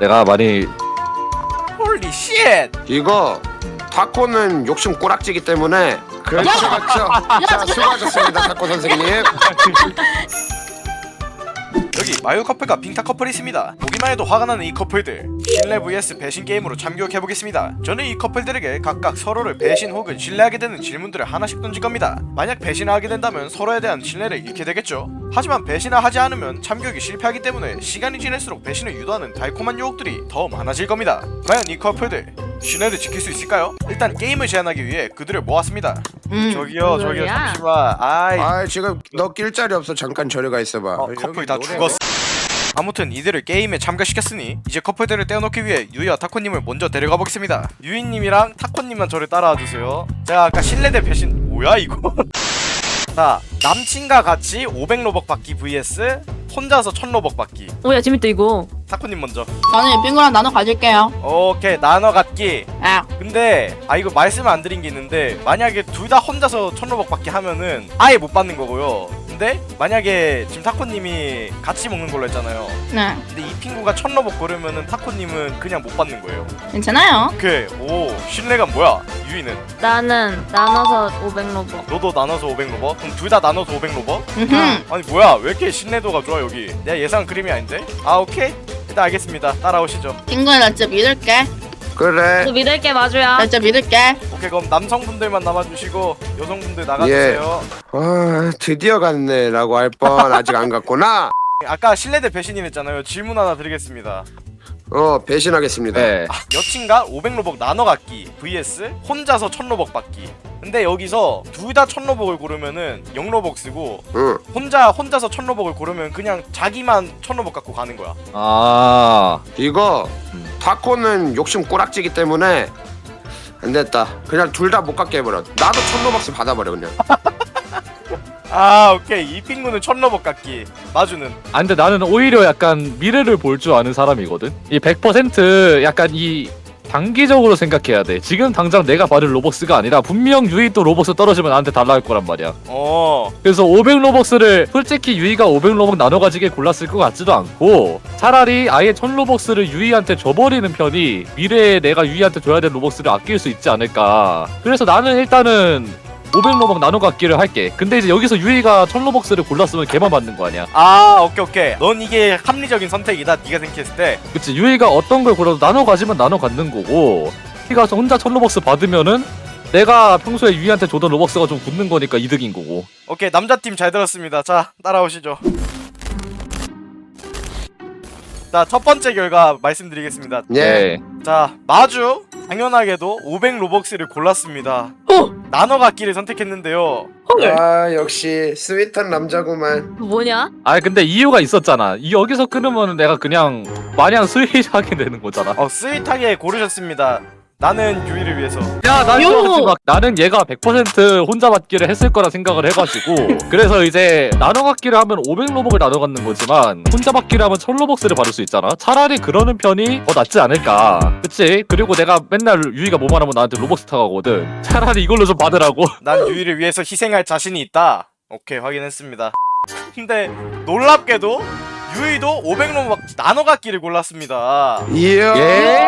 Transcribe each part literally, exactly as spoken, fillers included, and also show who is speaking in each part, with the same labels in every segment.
Speaker 1: 내가 많이
Speaker 2: 홀리 쉣!
Speaker 3: 이거 타코는 욕심 꼬락지기 때문에 그렇죠 그렇죠. 자 수고하셨습니다 타코 선생님.
Speaker 2: 여기 마유 커플과 빙타 커플이 있습니다. 보기만 해도 화가 나는 이 커플들, 신뢰 vs 배신 게임으로 참교육해보겠습니다. 저는 이 커플들에게 각각 서로를 배신 혹은 신뢰하게 되는 질문들을 하나씩 던질 겁니다. 만약 배신을 하게 된다면 서로에 대한 신뢰를 잃게 되겠죠. 하지만 배신을 하지 않으면 참교육이 실패하기 때문에 시간이 지날수록 배신을 유도하는 달콤한 유혹들이 더 많아질 겁니다. 과연 이 커플들 신뢰를 지킬 수 있을까요? 일단 게임을 제한하기 위해 그들을 모았습니다.
Speaker 4: 음.
Speaker 2: 저기요 저기요
Speaker 5: 뭐야?
Speaker 2: 잠시만. 아이
Speaker 3: 아 지금 너 낄 자리 없어. 잠깐 저리 가 있어봐.
Speaker 2: 어,
Speaker 3: 여기
Speaker 2: 커플 다
Speaker 3: 노래-
Speaker 2: 죽었어. 아무튼 이들을 게임에 참가시켰으니 이제 커플들을 떼어놓기 위해 유이와 타코님을 먼저 데려가 보겠습니다. 유이님이랑 타코님만 저를 따라와주세요. 제가 아까 신뢰 대 배신 뭐야 이거. 자, 남친과 같이 오백 로벅 받기 vs 혼자서 천 로벅 받기.
Speaker 5: 오야 재밌다 이거.
Speaker 2: 타코님 먼저.
Speaker 4: 저는 이 빙고랑 나눠 가질게요.
Speaker 2: 오케이, 나눠 갖기.
Speaker 4: 아,
Speaker 2: 근데 아 이거 말씀을 안 드린 게 있는데, 만약에 둘 다 혼자서 천 로벅 받기 하면은 아예 못 받는 거고요. 근데 만약에 지금 타코님이 같이 먹는 걸로 했잖아요.
Speaker 4: 네,
Speaker 2: 근데 이 핑구가 천 로벅 고르면은 타코님은 그냥 못 받는 거예요.
Speaker 4: 괜찮아요.
Speaker 2: 오케이. 오, 신뢰감 뭐야? 유이는
Speaker 5: 나는 나눠서 오백 로벅.
Speaker 2: 너도 나눠서 오백 로벅? 그럼 둘 다 나눠서 오백 로벅?
Speaker 4: 음흠.
Speaker 2: 아니 뭐야? 왜 이렇게 신뢰도가 좋아 여기? 내가 예상 그림이 아닌데? 아 오케이. 일단 알겠습니다. 따라오시죠.
Speaker 4: 빙고야, 나 진짜 믿을게.
Speaker 3: 그래.
Speaker 5: 너 믿을게 마주야.
Speaker 4: 나 진짜 믿을게.
Speaker 2: 오케이, 그럼 남성분들만 남아주시고 여성분들 나가주세요.
Speaker 3: 아 드디어 갔네라고 할 뻔 아직 안 갔구나.
Speaker 2: 아까 신뢰 대 배신이 했잖아요. 질문 하나 드리겠습니다.
Speaker 3: 어 배신하겠습니다.
Speaker 1: 네.
Speaker 2: 여친과 오백 로벅 나눠 갖기 vs 혼자서 천 로벅 받기. 근데 여기서 둘 다 천 로벅을 고르면은 영 로벅 쓰고,
Speaker 3: 응.
Speaker 2: 혼자 혼자서 천 로벅을 고르면 그냥 자기만 천 로벅 갖고 가는 거야.
Speaker 1: 아
Speaker 3: 이거
Speaker 1: 음.
Speaker 3: 타코는 욕심 꼬락지기 때문에 안 됐다. 그냥 둘 다 못 갖게 해버려. 나도 천로박스 받아버려 그냥.
Speaker 2: 아 오케이. 이 핑구는 천 로벅 갖기. 마주는
Speaker 1: 아 근데 나는 오히려 약간 미래를 볼 줄 아는 사람이거든. 이 백 퍼센트 약간 이 단기적으로 생각해야 돼. 지금 당장 내가 받을 로벅스가 아니라 분명 유이 또 로벅스 떨어지면 나한테 달라 할 거란 말이야.
Speaker 2: 어
Speaker 1: 그래서 오백 로벅스를 솔직히 유이가 오백 로벅 나눠 가지게 골랐을 것 같지도 않고, 차라리 아예 천 로벅스를 유이한테 줘버리는 편이 미래에 내가 유이한테 줘야 될 로벅스를 아낄 수 있지 않을까. 그래서 나는 일단은 오백 로벅 나눠 갖기를 할게. 근데 이제 여기서 유이가 천 로벅스를 골랐으면 걔만 받는 거 아니야.
Speaker 2: 아 오케이 오케이. 넌 이게 합리적인 선택이다. 네가 생각했을 때.
Speaker 1: 그치, 유이가 어떤 걸 골라도 나눠 가지면 나눠 갖는 거고, 유이가 혼자 천 로벅스 받으면은 내가 평소에 유이한테 주던 로벅스가 좀 굳는 거니까 이득인 거고.
Speaker 2: 오케이, 남자팀 잘 들었습니다. 자, 따라오시죠. 자, 첫 번째 결과 말씀드리겠습니다.
Speaker 3: 예.
Speaker 2: 자, 마주 당연하게도 오백 로벅스를 골랐습니다.
Speaker 4: 어,
Speaker 2: 나눠 갖기를 선택했는데요.
Speaker 4: 헐.
Speaker 3: 아 역시 스윗한 남자구만.
Speaker 5: 뭐냐?
Speaker 1: 아 근데 이유가 있었잖아. 이 여기서 끊으면 내가 그냥 마냥 스윗하게 되는 거잖아.
Speaker 2: 어, 스윗하게 고르셨습니다. 나는 유이를 위해서.
Speaker 1: 야, 나
Speaker 4: 요!
Speaker 1: 이거 막 나는 얘가 백 퍼센트 혼자 받기를 했을 거라 생각을 해가지고 그래서 이제 나눠 갖기를 하면 오백 로벅을 나눠 갖는 거지만 혼자 받기를 하면 천 로벅스를 받을 수 있잖아. 차라리 그러는 편이 더 낫지 않을까. 그치? 그리고 내가 맨날 유이가 뭐만 하면 나한테 로벅스 타가거든. 차라리 이걸로 좀 받으라고.
Speaker 2: 난 유이를 위해서 희생할 자신이 있다. 오케이, 확인했습니다. 근데 놀랍게도 유이도 오백 로벅 나눠 갖기를 골랐습니다.
Speaker 3: 이야.
Speaker 1: 예?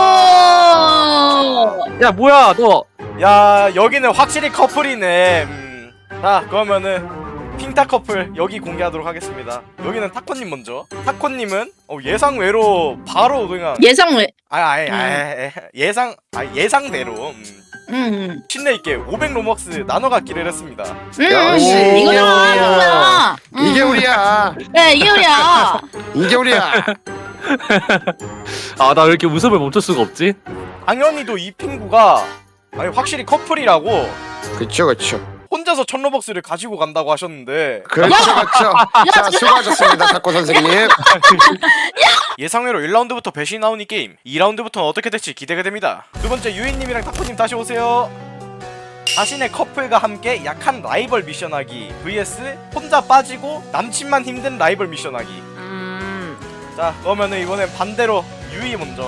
Speaker 4: 오!
Speaker 1: 야 뭐야 너.
Speaker 2: 야, 여기는 확실히 커플이네. 음. 자, 그러면은 핑타 커플 여기 공개하도록 하겠습니다. 여기는 타코님 먼저. 타코님은 어, 예상 외로 바로 그냥
Speaker 4: 예상 외.
Speaker 2: 아, 아, 아, 아, 예상 아, 예상대로 음.
Speaker 4: 음,
Speaker 2: 신뢰 있게 오백 로벅스 나눠 갖기를 했습니다.
Speaker 4: 음,
Speaker 3: 역시.
Speaker 4: 음, 이거잖아, 이거잖아. 음.
Speaker 3: 이게 우리야.
Speaker 4: 네, 이게 우리야.
Speaker 3: 이게 우리야.
Speaker 1: 아 나 왜 이렇게 웃음을 멈출 수가 없지?
Speaker 2: 당연히도 이 핑구가 아니 확실히 커플이라고
Speaker 3: 그쵸 그쵸.
Speaker 2: 혼자서 천 로벅스를 가지고 간다고 하셨는데
Speaker 3: 그렇죠 그렇죠. 자 수고하셨습니다 타코 선생님.
Speaker 2: 예상외로 일 라운드부터 배신이 나오니 게임 이 라운드부터는 어떻게 될지 기대가 됩니다. 두 번째 유인님이랑 타코님 다시 오세요. 자신의 커플과 함께 약한 라이벌 미션하기 vs 혼자 빠지고 남친만 힘든 라이벌 미션하기.
Speaker 5: 음.
Speaker 2: 자, 그러면은 이번엔 반대로 유이 먼저.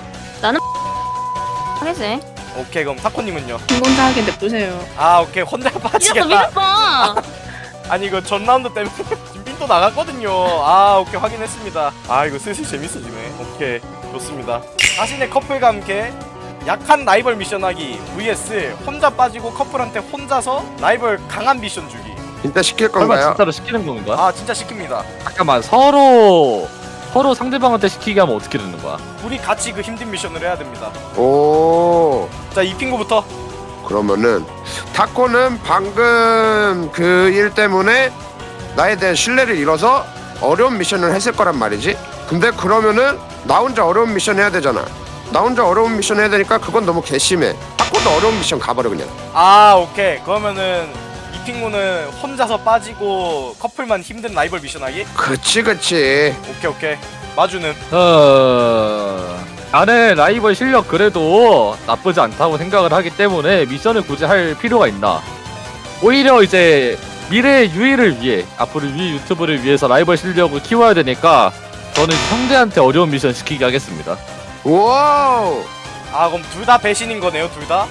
Speaker 5: 하겠지.
Speaker 2: 오케이, 그럼 타코님은요?
Speaker 4: 혼자 하게 냅두세요.
Speaker 2: 아 오케이, 혼자
Speaker 5: 믿었어
Speaker 2: 빠지겠다.
Speaker 5: 믿었어.
Speaker 2: 아니 이거 전 라운드 때문에 지금 빈도 또 나갔거든요. 아 오케이 확인했습니다. 아 이거 슬슬 재밌어지네. 오케이 좋습니다. 자신의 커플과 함께 약한 라이벌 미션하기 vs 혼자 빠지고 커플한테 혼자서 라이벌 강한 미션 주기.
Speaker 3: 진짜 시킬
Speaker 1: 설마
Speaker 3: 건가요?
Speaker 1: 진짜로 시키는 건가?
Speaker 2: 아 진짜 시킵니다.
Speaker 1: 잠깐만 서로 서로 상대방한테 시키게 하면 어떻게 되는 거야?
Speaker 2: 우리 같이 그 힘든 미션을 해야 됩니다.
Speaker 3: 오.
Speaker 2: 자 이 핑구부터.
Speaker 3: 그러면은 타코는 방금 그 일 때문에 나에 대한 신뢰를 잃어서 어려운 미션을 했을 거란 말이지. 근데 그러면은 나 혼자 어려운 미션 해야 되잖아. 나 혼자 어려운 미션 해야 되니까 그건 너무 괘씸해. 타코도 어려운 미션 가버려 그냥.
Speaker 2: 아 오케이 그러면은 이 핑구는 혼자서 빠지고 커플만 힘든 라이벌 미션하기.
Speaker 3: 그치 그치.
Speaker 2: 오케이 오케이. 마주는
Speaker 1: 어... 나는 라이벌 실력 그래도 나쁘지 않다고 생각을 하기 때문에 미션을 굳이 할 필요가 있나? 오히려 이제 미래의 유희를 위해 앞으로 유희 유튜브를 위해서 라이벌 실력을 키워야 되니까 저는 상대한테 어려운 미션 시키게 하겠습니다.
Speaker 3: 와우.
Speaker 2: 아 그럼 둘 다 배신인 거네요 둘 다.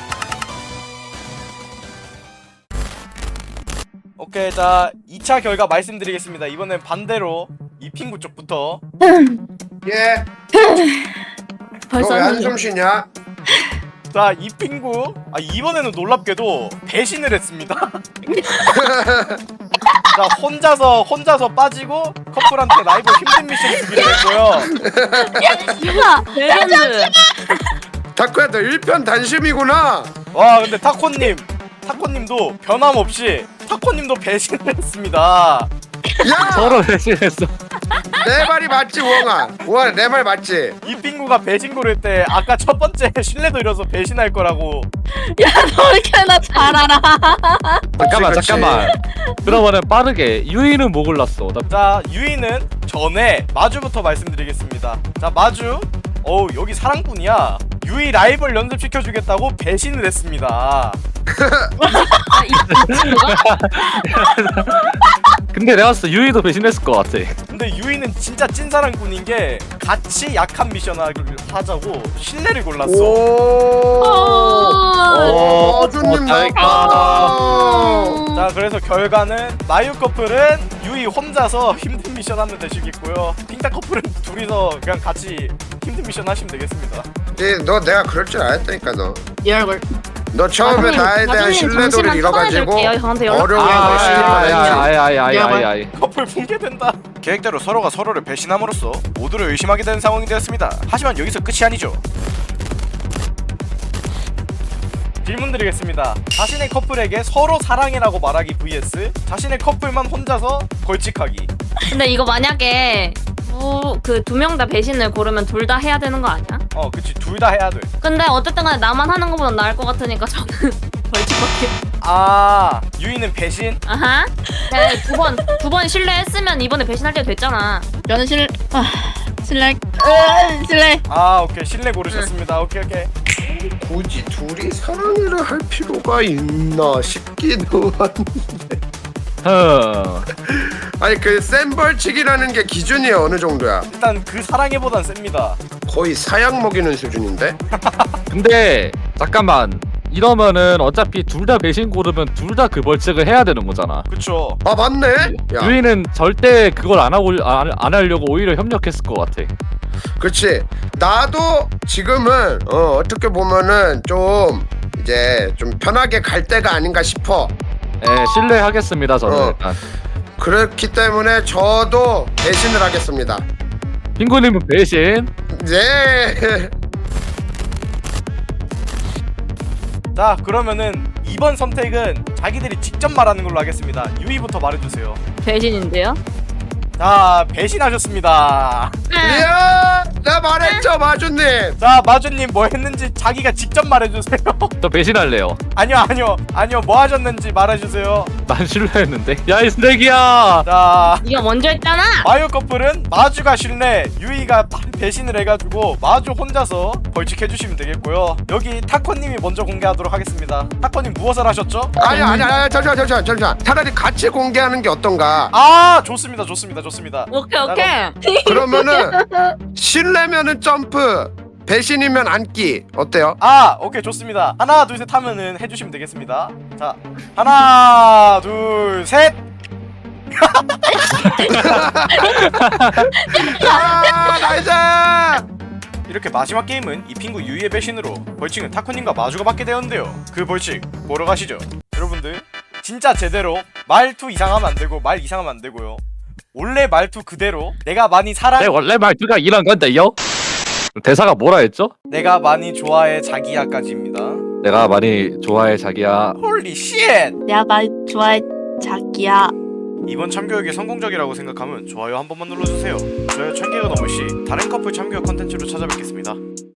Speaker 2: 오케이 자 이 차 결과 말씀드리겠습니다. 이번엔 반대로 이 핑구 쪽부터.
Speaker 3: 예.
Speaker 5: 벌써
Speaker 3: 너 왜
Speaker 5: 하는
Speaker 3: 한숨 쉬냐?
Speaker 2: 자 이 핑구 아 이번에는 놀랍게도 배신을 했습니다. 자 혼자서 혼자서 빠지고 커플한테 라이벌 힘든 미션 주기로 했고요.
Speaker 5: 레전드.
Speaker 3: 타코야 너 일편단심이구나.
Speaker 2: 와 근데 타코님 타코님도 변함없이 타코님도 배신을 했습니다.
Speaker 3: 야.
Speaker 1: 서로 배신했어.
Speaker 3: 내 말이 맞지 우엉아. 우엉아 내 말 맞지?
Speaker 2: 이 핑구가 배신 고를 때 아까 첫 번째 신뢰도 잃어서 배신할 거라고.
Speaker 4: 야, 너 이렇게 나 잘 알아.
Speaker 1: 잠깐만
Speaker 3: 그치.
Speaker 1: 잠깐만. 그러면은 빠르게 유희는 뭐 골랐어? 나
Speaker 2: 자 유이는 전에 마주부터 말씀드리겠습니다. 자 마주 어우 여기 사랑꾼이야. 유이 라이벌 연습시켜주겠다고 배신을 했습니다.
Speaker 5: 아, 이, 이 친구가?
Speaker 1: 근데 내가 봤을 때 유희도 배신했을 것 같아.
Speaker 2: 근데 유이는 진짜 찐사랑꾼인 게 같이 약한 미션 하자고 신뢰를 골랐어.
Speaker 3: 오.
Speaker 1: 어,
Speaker 3: 마주님
Speaker 1: 다행이다.
Speaker 3: 나왔다.
Speaker 2: 자 그래서 결과는 마유 커플은 유이 혼자서 힘든 미션 하면 되시겠고요. 핑타 커플은 둘이서 그냥 같이 힘든 미션 하시면 되겠습니다.
Speaker 3: 예, 너 내가 그럴 줄 알았다니까 너.
Speaker 4: 이 얼굴.
Speaker 3: 너 처음에 나에 대한 신뢰도를 잃어가지고
Speaker 5: 저한테 연락.
Speaker 3: 어려운
Speaker 1: 아,
Speaker 3: 걸 신뢰를 했지.
Speaker 1: 아이 아이 아이 아이 아이.
Speaker 2: 커플 붕괴된다. 계획대로 서로가 서로를 배신함으로써 모두를 의심하게 되는 상황이 되었습니다. 하지만 여기서 끝이 아니죠. 질문 드리겠습니다. 자신의 커플에게 서로 사랑해라고 말하기 vs 자신의 커플만 혼자서 벌칙하기.
Speaker 5: 근데 이거 만약에 그 두 명 다 배신을 고르면 둘 다 해야 되는 거 아니야?
Speaker 2: 어 그치 둘 다 해야 돼.
Speaker 5: 근데 어쨌든 간에 나만 하는 것보단 나을 것 같으니까 저는 벌칙밖에.
Speaker 2: 아 유이는 배신?
Speaker 5: 아하. 두 번 두 번 신뢰했으면 이번에 배신할 때 됐잖아.
Speaker 4: 저는 실, 아, 실례, 으, 실례.
Speaker 2: 아 오케이 신뢰 고르셨습니다. 오케이 오케이.
Speaker 3: 굳이 둘이 사랑을 할 필요가 있나 싶기도 한데.
Speaker 1: 흠.
Speaker 3: 아니 그 센 벌칙이라는 게 기준이 어느 정도야?
Speaker 2: 일단 그 사랑해보단 셉니다.
Speaker 3: 거의 사약 먹이는 수준인데?
Speaker 1: 근데 잠깐만. 이러면은 어차피 둘 다 배신 고르면 둘 다 그 벌칙을 해야 되는 거잖아.
Speaker 2: 그쵸.
Speaker 3: 아 맞네? 야
Speaker 1: 유희는 절대 그걸 안 하고 안, 안 하려고 오히려 협력했을 것 같아.
Speaker 3: 그렇지. 나도 지금은 어, 어떻게 보면은 좀 이제 좀 편하게 갈 때가 아닌가 싶어.
Speaker 1: 예, 신뢰하겠습니다 저는
Speaker 3: 어.
Speaker 1: 일단.
Speaker 3: 그렇기 때문에 저도 배신을 하겠습니다.
Speaker 1: 핑구님은 배신.
Speaker 3: 네.
Speaker 2: 자 그러면은 이번 선택은 자기들이 직접 말하는 걸로 하겠습니다. 유이부터 말해주세요.
Speaker 5: 배신인데요?
Speaker 2: 자 배신하셨습니다.
Speaker 3: 이야, 나 말했죠 마주님.
Speaker 2: 자 마주님 뭐 했는지 자기가 직접 말해주세요.
Speaker 1: 저 배신할래요.
Speaker 2: 아니요 아니요 아니요 뭐 하셨는지 말해주세요.
Speaker 1: 난 신뢰했는데. 야 이 쓰레기야.
Speaker 2: 자
Speaker 5: 네가 먼저 했잖아.
Speaker 2: 마유 커플은 마주가 신뢰 유이가 배신을 해가지고 마주 혼자서 벌칙해주시면 되겠고요. 여기 타코님이 먼저 공개하도록 하겠습니다. 타코님 무엇을 하셨죠?
Speaker 3: 아니 아니 아니 잠시만 잠시만 잠시만. 차라리 같이 공개하는 게 어떤가?
Speaker 2: 아 좋습니다 좋습니다 좋습니다.
Speaker 5: 오케이 오케이.
Speaker 3: 그러면은 신뢰면은 점프, 배신이면 앉기 어때요?
Speaker 2: 아 오케이 좋습니다. 하나 둘 셋 하면은 해주시면 되겠습니다. 자 하나 둘 셋
Speaker 3: 아, 나이스!
Speaker 2: 이렇게 마지막 게임은 이 핑구 유이의 배신으로 벌칙은 타코님과 마주가 받게 되었는데요. 그 벌칙 보러 가시죠. 여러분들 진짜 제대로 말투 이상하면 안 되고 말 이상하면 안 되고요. 원래 말투 그대로 내가 많이 사랑
Speaker 1: 내 원래 말투가 이런 건데요. 대사가 뭐라 했죠?
Speaker 2: 내가 많이 좋아해 자기야까지입니다.
Speaker 1: 내가 많이 좋아해 자기야.
Speaker 2: 홀리 쉣!
Speaker 4: 내가 많이 좋아해 자기야.
Speaker 2: 이번 참교육이 성공적이라고 생각하면 좋아요 한 번만 눌러주세요. 좋아요 천 개가 넘을 시 다른 커플 참교육 컨텐츠로 찾아뵙겠습니다.